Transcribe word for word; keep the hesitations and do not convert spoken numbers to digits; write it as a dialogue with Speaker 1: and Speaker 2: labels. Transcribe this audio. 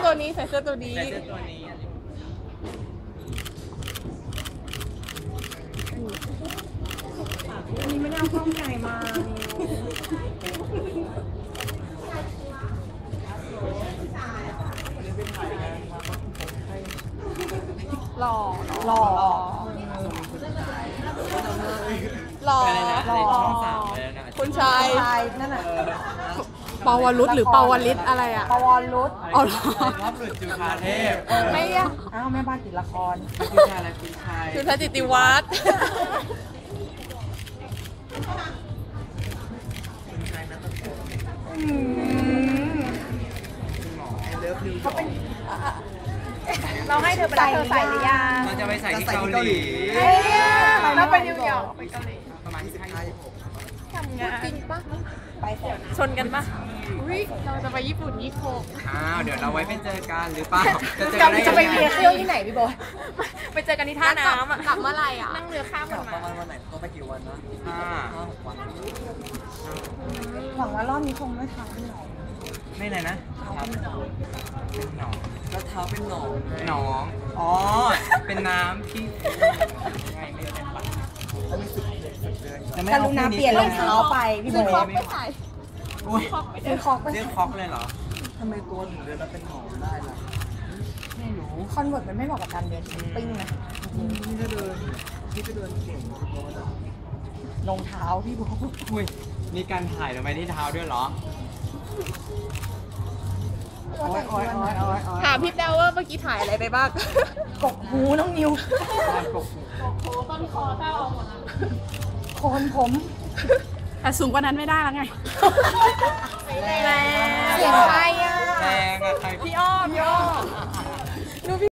Speaker 1: ตัวนี้ใส่เสื้อตัวนี้
Speaker 2: ใส่เสื้อตัวนี้
Speaker 3: อันนี้ไม่ได้เอากล้องใหญ่มาหล่อหล่อหล่อ
Speaker 2: อะไรนะในช่องสามเลยนะ
Speaker 1: คุณชาย
Speaker 3: ชายนั่นน่ะ
Speaker 1: ปาวรุษหรือปาวลิศอะไรอ่ะ
Speaker 3: ปวรรุษ
Speaker 1: อ๋อเหรอ
Speaker 2: รอบหลุดจุฬาเทพ
Speaker 1: ไม่อะ
Speaker 3: อ้าวแม่บ้านติดละคร
Speaker 2: คุณชายอะไรคุณชาย
Speaker 1: คือทจิติวัฒน์
Speaker 3: เขาเป็นเราให้เธอไปแล้วเธอใส่หรือยัง
Speaker 2: เราจะไปใส่ที่เกาหลี
Speaker 3: เฮ้ยเราไปนิวยอร์กไปเกาหลี
Speaker 2: ประมาณสิบห้า
Speaker 3: ทำงาน
Speaker 1: จริงปะ
Speaker 3: ไปก่อน
Speaker 1: ชนกันปะอุ้ยเราจะไปญี่ปุ่นยี่สิบหก
Speaker 2: อ้าวเดี๋ยวเราไว้เป็นเจอกันหรือเปล่าจะเจอ
Speaker 3: กั
Speaker 2: กัน นได้
Speaker 3: จะไป
Speaker 2: ยัง
Speaker 3: เรียน
Speaker 2: ไง
Speaker 3: เที่ยวที่ไหนพี่บอย
Speaker 1: ไปเจอกันที่ท่าน้ำอ่ะกลับเมื่อไหร่อ่ะ
Speaker 3: นั่งเรือข้าม
Speaker 4: ก
Speaker 3: กั
Speaker 4: ลั
Speaker 3: น
Speaker 4: บป
Speaker 3: มา
Speaker 4: ระมาณวันไหนต้องไปกี่วันนะ
Speaker 2: ห้า
Speaker 4: ห้าหกวัน
Speaker 3: หวังว่ารอบนี้คงไม่ทันหรอก
Speaker 2: ไม่เลยนะครับเป็นหนอง
Speaker 4: แล้วเท้าเป็นหนอง
Speaker 2: หนอง อ๋อ เป็นน้ำที่ไงไม่เป็นปะ
Speaker 4: แล้วมีสิบเดือนสิบเดือน
Speaker 2: จะไม่
Speaker 3: ก
Speaker 2: เอา
Speaker 3: รุณาเปลี่ยนรองเท้าไปพี่บ
Speaker 1: ซื้อ
Speaker 3: อย
Speaker 1: คอกไปใส่
Speaker 2: อุ้ย
Speaker 3: ซื้อคอกไป
Speaker 2: เรียกคอกเลยเหรอ
Speaker 4: ทำไมตัวถึงเดือนแล้วเป็นหนองได้ล่ะ
Speaker 2: ไม่รู้
Speaker 3: คอนเวิร์ตมันไม่เหมาะกับการเดินช้อปปิ้งนะ
Speaker 4: นี่ก็เดินนี่ก็เดินเก่งพี่บอสอะ
Speaker 3: รองเท้าพี่บอย
Speaker 2: อุ้ย มีการถ่ายลงไปที่เท้าด้วยเหรอ
Speaker 4: โอ๊ยโอ๊ยโอ๊ยโอ๊ยโอ๊ย
Speaker 1: ถามพี่แต้วว่าเมื่อกี้ถ่ายอะไรไปบ้าง
Speaker 3: กกหูน้องนิว
Speaker 2: การกบ
Speaker 3: โคนผม
Speaker 1: แต่สูงกว่านั้นไม่ได้แล้วไง
Speaker 3: เสียงใครอ่ะ
Speaker 2: แรงอะใคร
Speaker 1: พี่อ้อมพี่อ้อม